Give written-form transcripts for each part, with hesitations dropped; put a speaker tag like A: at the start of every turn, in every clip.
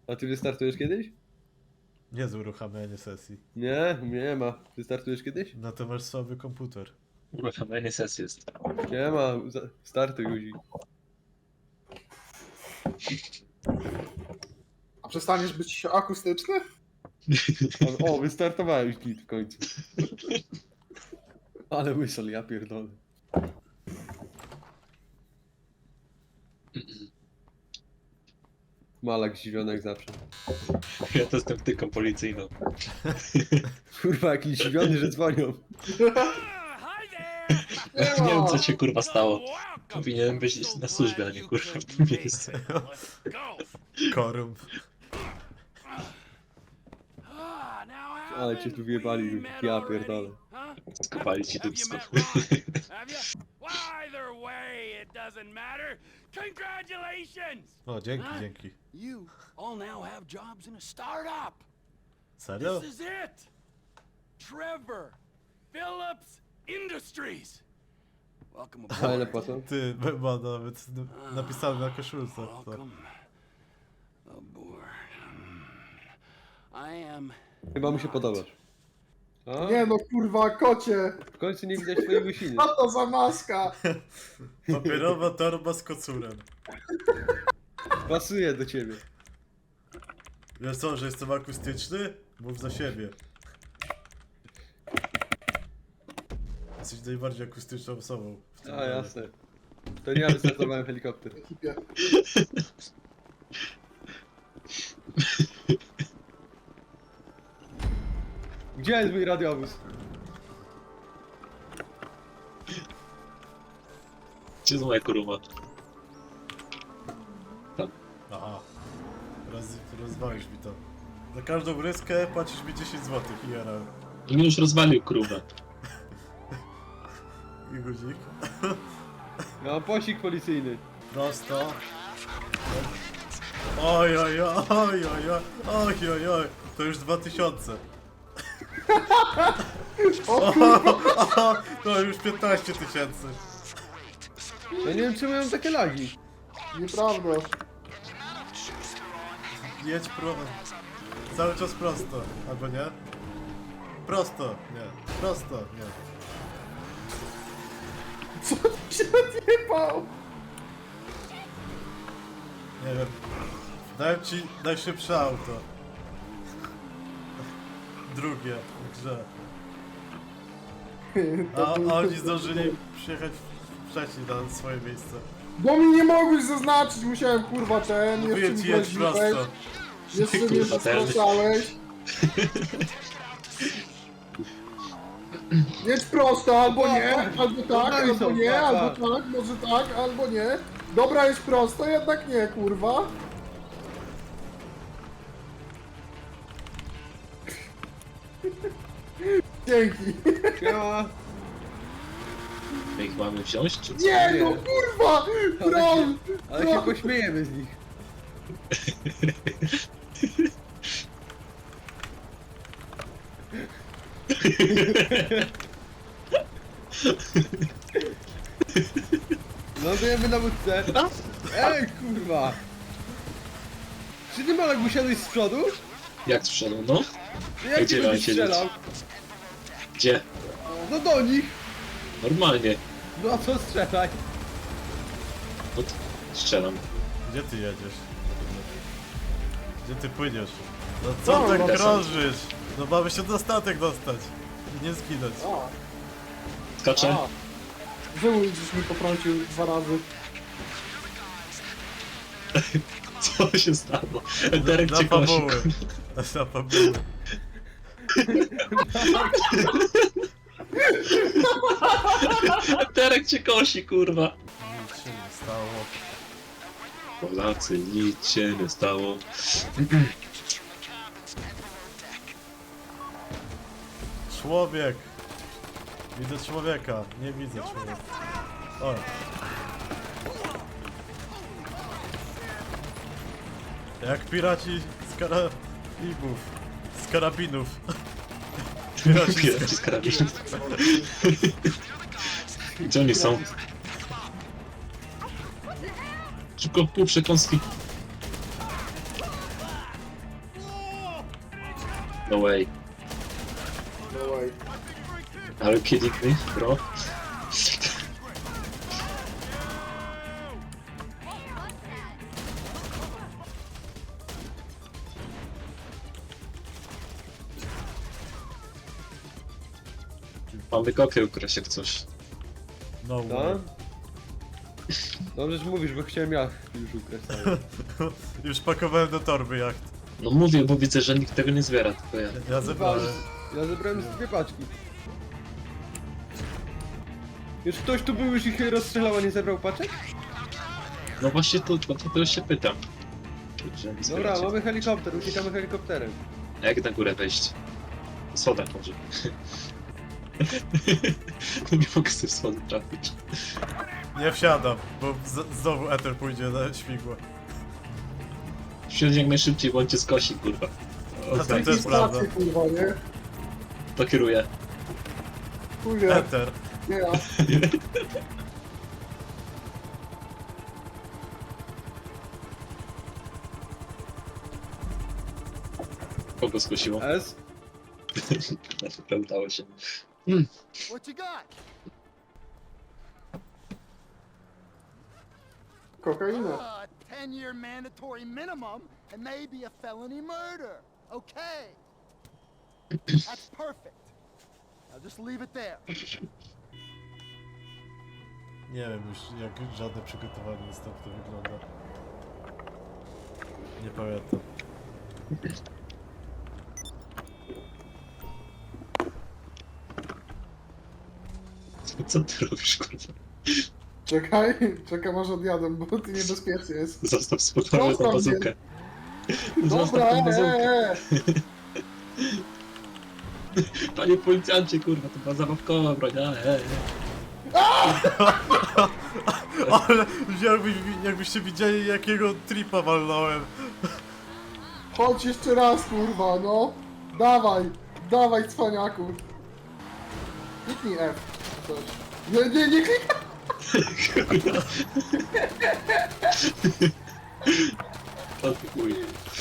A: A ty wystartujesz kiedyś?
B: Nie z uruchamiania sesji.
A: Nie, nie ma. Wystartujesz kiedyś?
B: No to masz słaby komputer.
C: Uruchamianie sesji jest.
A: Nie ma. Startuj guzik.
D: A przestaniesz być akustyczny?
A: O, wystartowałeś git w końcu. Ale whistle, ja pierdolę. Malak zdziwiony jak zawsze.
C: Ja to jestem tyką policyjną.
A: Kurwa, jakiś zdziwiony, że dzwonią.
C: Nie wiem co się kurwa stało. Powinienem być na służbie, a nie kurwa w tym miejscu.
B: Korump.
A: Ale cię tu wjebali, ja pierdolę.
C: Skopali ci dupsko.
B: O, dzięki, dzięki.
E: You all now have jobs in a startup.
B: Serio?
E: This is it. Trevor Phillips Industries. Welcome
A: A ile
E: aboard.
A: płacą?
B: Ty, ma nawet napisane na koszulce. To.
E: Welcome aboard. I am.
A: Chyba mu się podobasz. A?
D: Nie no kurwa, kocie!
A: W końcu nie widać twojej łysiny.
D: Co to za maska?
B: Papierowa torba z kocurem.
A: Pasuje do ciebie.
B: Wiesz co, że jestem akustyczny? Mów za siebie. Jesteś najbardziej akustyczną osobą w tym
A: A,
B: gronie.
A: jasne. To nie ja wystartowałem helikopter.
D: Ekipie.
A: Gdzie jest mój radiowóz?
C: Gdzie jest moja kuruma?
B: Aha. Rozwalisz mi to. Za każdą ryskę płacisz mi 10 zł i jara.
C: On mi już rozwalił kurwę.
B: I guzik.
A: Ja mam posik policyjny.
B: Prosto. Oj, oj, oj, oj, oj, oj, oj, oj. To już 2000.
D: O kurwa!
B: To już 15 tysięcy.
A: Ja nie wiem czemu ja mam takie lagi.
D: Nieprawda.
B: Jedź cały czas prosto, albo nie? Prosto, nie. Prosto, nie.
D: Co ty się odjebał?
B: Nie wiem. Dałem ci najszybsze auto. Drugie w grze. A oni zdążyli przyjechać wcześniej na swoje miejsce.
D: Bo mi nie mogłeś zaznaczyć, musiałem kurwa ten, jeszcze
B: Mówię
D: mi
B: ci, jedź
D: groziłeś,
B: prosto.
D: jeszcze mnie
C: Kurwa, ten.
D: zastraszałeś. Jedź prosto, albo nie, albo tak,
A: No i
D: albo
A: są,
D: nie,
A: tak,
D: albo
A: tak.
D: tak, może tak, albo nie. Dobra, jest prosto, jednak nie, kurwa. Dzięki.
A: Siema.
C: My ich mamy wziąć czy co?
D: Nie,
A: Nie.
D: no kurwa! Troll!
A: Ale się pośmiejemy z nich. Lądujemy na łódce. Ej, kurwa! Czy ty Malek usiadłeś z przodu?
C: Jak z przodu, no?
A: Jak
C: Gdzie
A: ty
C: mam
A: będziesz
C: siedzieć?
A: strzelał?
C: Gdzie?
A: No do nich!
C: Normalnie.
A: No a co strzelaj?
C: Strzelam.
B: Gdzie ty jedziesz? Gdzie ty płyniesz? No co
D: No,
B: tak
C: no.
B: krążysz? No mamy się na statek dostać. I nie zginąć.
D: A,
C: Skaczę?
D: Żył gdzieś mi potrącił 2 razy.
C: Co się stało? Derek
B: Na
C: cię kosi.
B: fabuły. Na fabuły.
C: Derek cię kosi, kurwa.
B: Nic się nie stało.
C: Polacy, nic się nie stało.
B: Człowiek! Widzę człowieka, nie widzę człowieka. O! Jak piraci z karabinów. Z karabinów.
C: Piraci z karabinów. Gdzie oni są? Szybko, pół przekąski. No way.
D: No way.
C: Are you kidding me, bro? Mamy kopię ukraść jak coś.
B: No
A: No?
B: way.
A: Dobrze, że mówisz, bo chciałem ja już ukraść cały.
B: Już pakowałem do torby jacht.
C: No mówię, bo widzę, że nikt tego nie zbiera, tylko ja.
B: Ja zebrałem.
A: Ja zebrałem z 2 paczki. Już ktoś tu był, już ich rozstrzelał, a nie zebrał paczek?
C: No właśnie to już się pytam. Że nie
A: Dobra,
C: zbieracie.
A: mamy helikopter, uciekamy helikopterem.
C: A jak na górę wejść? Po schodach może. No nie mogę sobie schody trafić.
B: Nie wsiadam, bo znowu Ether pójdzie na śmigło.
C: Wsiądź jak najszybciej, bo on cię skosi, kurwa.
B: A to
C: Okej,
B: też prawda.
D: Stacje, kurwa, nie?
C: to kieruję.
D: Chuję,
B: Ether.
D: nie ja.
C: Kogo skosiło?
A: S?
C: To udało się.
E: What you got?
D: Kokaina.
E: 10-year mandatory minimum and maybe a felony murder. Okay. That's perfect. Now just leave it there.
B: Nie wiem już jak żadne przygotowanie następne wygląda. Nie pamiętam.
C: Co ty robisz, kurwa?
D: Czekam aż odjadę, bo ty niebezpiecznie jest.
C: Zostaw spokojnie tą
D: Zostaw
C: bazookę.
D: Dobra,
C: Zostaw tą bazookę.
D: eee.
C: Panie policjancie, kurwa, to była zabawkowa broń,
B: Ale jakbyście widzieli jakiego tripa walnąłem.
D: Chodź jeszcze raz, kurwa, no. Dawaj, cwaniaku. Kliknij F. Coś. Nie klikaj!
C: O ty chuj.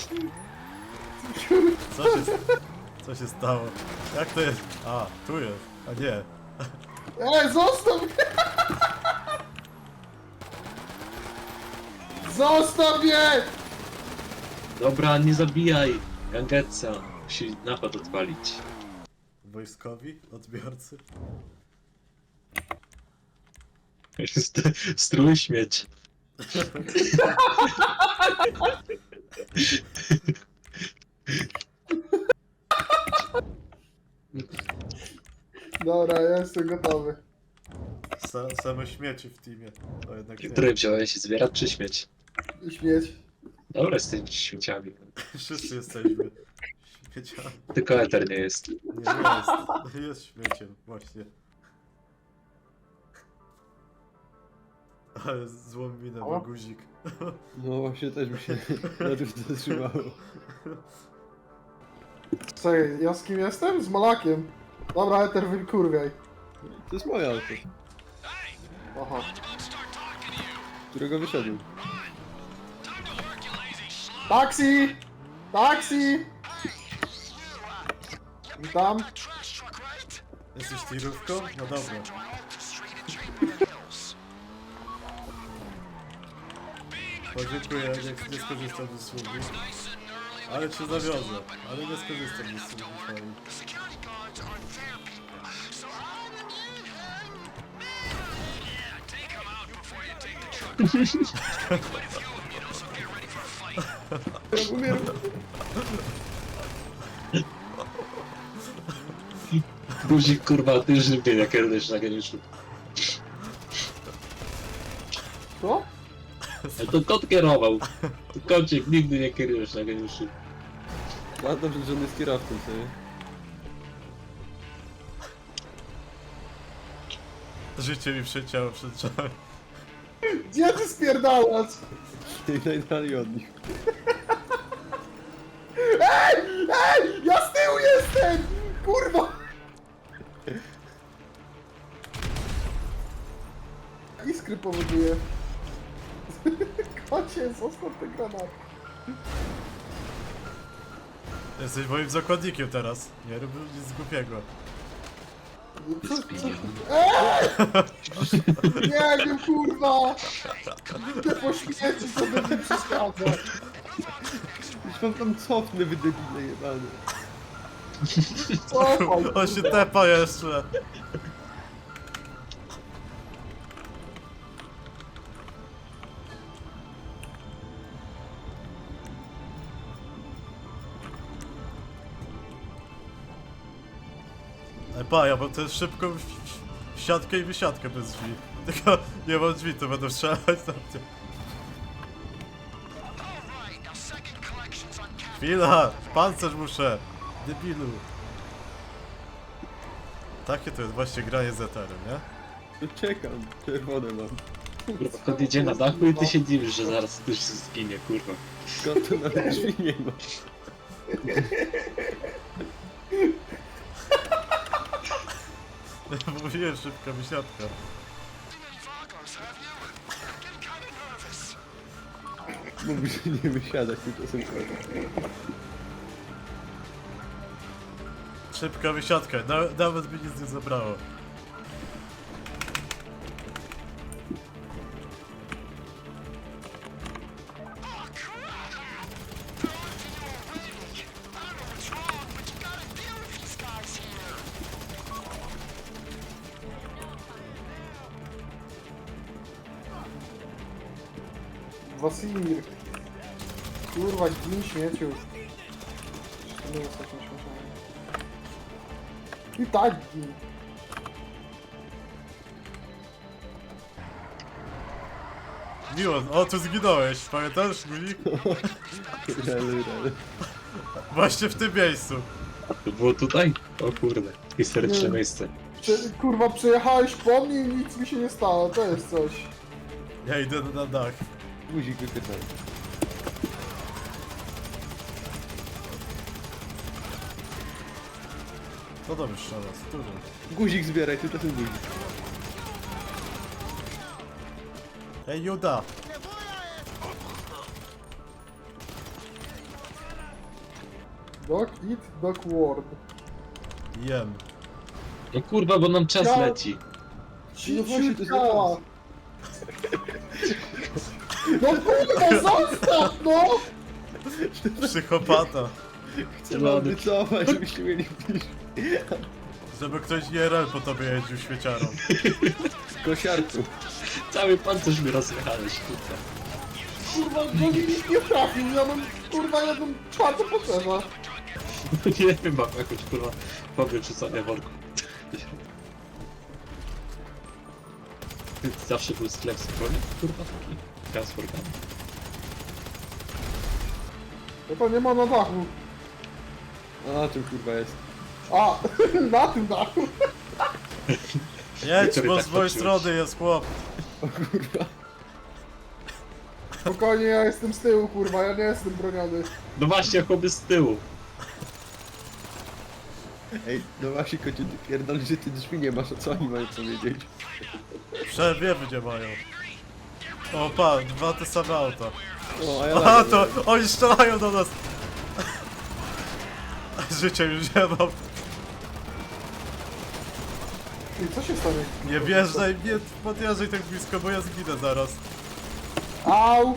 B: Co się stało? Jak to jest? A, tu jest. A nie.
D: Zostaw mnie! Zostaw mnie!
C: Dobra, nie zabijaj! Gangetsa musi napad odpalić.
B: Wojskowi? Odbiorcy?
C: Strój śmieć.
D: Dobra, ja jestem gotowy.
B: Same śmieci w teamie. To jednak nie.
C: Który wziąłeś? Zwierat czy śmieć?
D: Śmieć.
C: Dobra, z tymi śmieciami.
B: Wszyscy jesteśmy śmieciami.
C: Tylko Eter nie jest.
B: Nie jest. Jest śmieciem, właśnie. Ale złą minę ma guzik.
A: No właśnie też mi się na tym zatrzymało.
D: Czekaj, ja z kim jestem? Z Malakiem. Dobra, Eter, wykurwiaj.
A: To jest moje auto,
D: Aha.
A: którego wyszedłem.
D: Taksi! Taksi! Witam.
B: Jesteś tirówką? No dobra. Podziękuję, nie skorzystam z usługi. Ale cię zawiozę, ale nie skorzystam z usługi twojej.
A: Umieram.
C: Guzik, kurwa, ty już nie jak kierujesz na geniuszu.
D: Co?
C: To kot kierował. To kocik, nigdy nie kierujesz na geniuszu.
A: A dobrze, że on jest kierowcą sobie.
B: Życie mi przeciało przed czasem.
D: Gdzie ty spierdalasz?
A: I najdalej od nich.
D: Ej! Ja z tyłu jestem! Kurwa! Iskry powoduje. Kocie, zostaw te granaty.
B: Jesteś moim zakładnikiem teraz. Nie rób nic głupiego.
D: Nie wiem, kurwa! Idę po śmieci, co by mi przeszkadza.
A: Już wam tam cofnę, wy debile jebane.
D: Cofaj,
B: On się
D: kurwa.
B: tepa jeszcze. Ja mam też szybką siatkę i wysiadkę bez drzwi. Tylko nie mam drzwi, to będę strzelać na mnie. Chwila! Pancerz muszę! Debilu! Takie to jest właśnie granie z eterem, nie?
A: No czekam, czerwone mam.
C: Kurwa, kot jedzie na dachu i ty się dziwisz, że zaraz ktoś zginie, kurwa.
A: Skąd to nawet drzwi nie ma?
B: Mówiłem, szybka wysiadka.
A: Mówi, że nie wysiadać, tymczasem
B: Szybka wysiadka, nawet by nic nie zabrało.
D: Wasimir. Kurwa, gin śmieciu. To nie jest takim śmieciami. I tak gin.
B: Miło, o tu zginąłeś, pamiętasz, guzik?
A: ale.
B: Właśnie w tym miejscu.
C: To było tutaj? O kurde, historyczne
D: Nie.
C: miejsce.
D: Kurwa, przejechałeś po mnie i nic mi się nie stało, to jest coś.
B: Ja idę na dach.
A: Guzik wypytał.
B: No dobrze, strzela, dużo.
A: Guzik zbieraj, tymczasem guzik.
B: Ej, Juda!
D: Dog eat, dog ward.
B: Jem.
C: No kurwa, bo nam czas
D: Ja-
C: leci.
A: No właśnie, to jest
D: działa. No kurwa, zostaw, no!
B: Psychopata.
A: Chcę wam wycofać, żebyście mieli pisz.
B: Żeby ktoś IRL po tobie jeździł świeciarą.
A: Kosiarku.
C: Cały pancerz mi rozjechałeś, kurwa.
D: Kurwa, no nikt nie trafił, ja mam kurwa jedną czwartą potrzeba.
C: Nie wiem, mam jakąś kurwa powietrzucanie worku. Zawsze był sklep z broni, kurwa taki. Transformany.
D: No to nie ma na dachu.
A: A na czym kurwa jest?
D: A, na tym dachu.
B: Jedź,
C: Który
B: bo
C: tak
B: z mojej
C: patrzyłeś?
B: strony jest chłop.
A: O kurwa.
D: Spokojnie, ja jestem z tyłu, kurwa, ja nie jestem broniony.
C: No właśnie, chłopy z tyłu.
A: Ej, no właśnie kocie, ty pierdolisz, że ty drzwi nie masz, a co oni mają powiedzieć?
B: Przewiewy nie mają. O pan, dwa te same auta.
A: O, a ja
B: Aha,
A: lagę
B: to
A: miałem.
B: oni strzelają do nas. Życia już nie mam.
D: I co się stanie?
B: Nie wjeżdżaj, nie podjeżdżaj tak blisko, bo ja zginę zaraz.
D: Au!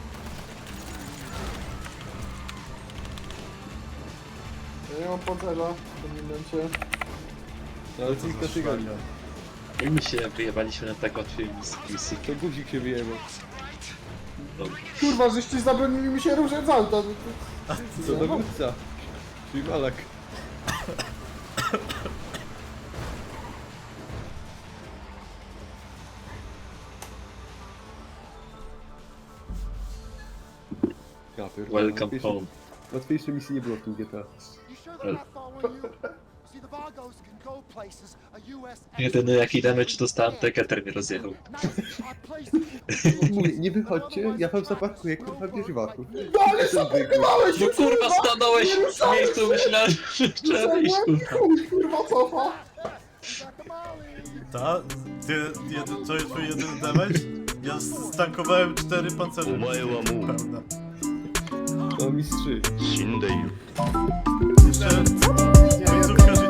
D: Ja nie mam pancerza w tym momencie.
A: No, ale tylko tygodnia.
C: I my się wyjebaliśmy na tak łatwej misji.
A: To guzik się wyjebał.
C: Dobra.
D: Kurwa, żeście zabronili mi się ruszać z auta.
A: Co dowódca? Czyli Malak. Ja pierdolę,
C: Welcome
A: łatwiejszej-
C: home.
A: Łatwiejszej misji nie było w tym GTA.
E: You sure they're not following you? See, the Vargos can go places a US
C: Jedyny jaki damage dostałem, to Keter mnie rozjechał.
E: Now, I placed
A: Mówię, nie wychodźcie, ja wam zaparkuję kurwa w wieżowaku.
D: No ale zaparkowałeś się,
C: No kurwa, stanąłeś w miejscu, myślałem, że trzeba iść, kurwa.
D: Chuj, kurwa, cofa.
B: Ta? To jest twój jedyny damage? Ja stankowałem 4 pancerze. Pełne.
A: O mistrzy.
B: Jeszcze końcówka